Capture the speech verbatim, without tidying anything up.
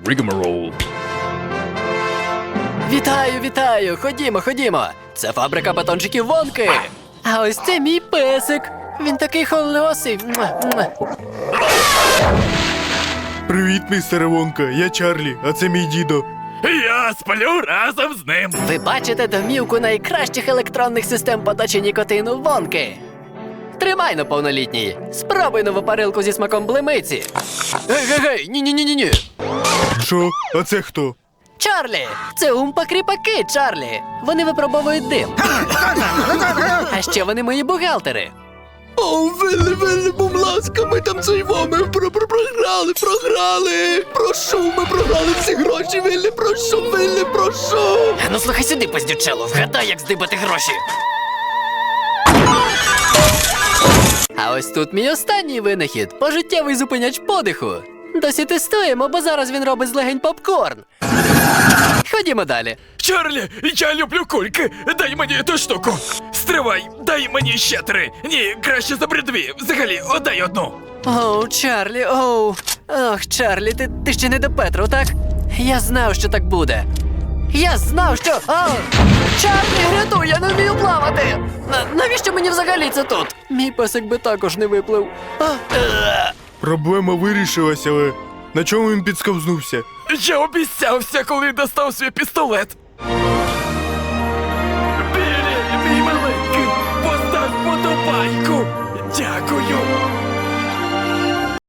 rigmarole. Вітаю, вітаю! Ходімо, ходімо! Це фабрика батончиків Вонки! А ось це мій песик! Він такий холосий! Муа, муа. Привіт, містере Вонка, я Чарлі, а це мій дідо. Я сплю разом з ним. Ви бачите домівку найкращих електронних систем подачі нікотину Вонки! Тримай на повнолітній! Спробуй нову парилку зі смаком блимиці! Гей-гей-гей! Ні-ні-ні-ні! Що? А це хто? Чарлі! Це умпа-кріпаки, Чарлі! Вони випробовують дим. А ще вони мої бухгалтери. О, Вилли, Вилли, будь ласка, ми там цейво, ми про про програли, програли. Прошу, ми програли всі гроші, Вилли, прошу, Вилли, прошу. Ну слухай сюди, пиздючело, вгадай, як здибати гроші. А ось тут мій останній винахід – пожиттєвий зупиняч подиху. Досі тестуємо, бо зараз він робить з легень попкорн. Ходімо далі. Чарлі, я люблю кульки. Дай мені ту штуку. Стривай, дай мені ще три. Ні, краще забери дві. Взагалі, отдай одну. Оу, Чарлі, оу. Ох, Чарлі, ти, ти ще не до Петру, так? Я знав, що так буде. Я знав, що... Оу! Чарлі, рятуй, я не вмію плавати! На, навіщо мені взагалі це тут? Мій песик би також не виплив. А, е. Проблема вирішилася, але на чому він підсковзнувся? Я обіцявся, коли достав свій пістолет.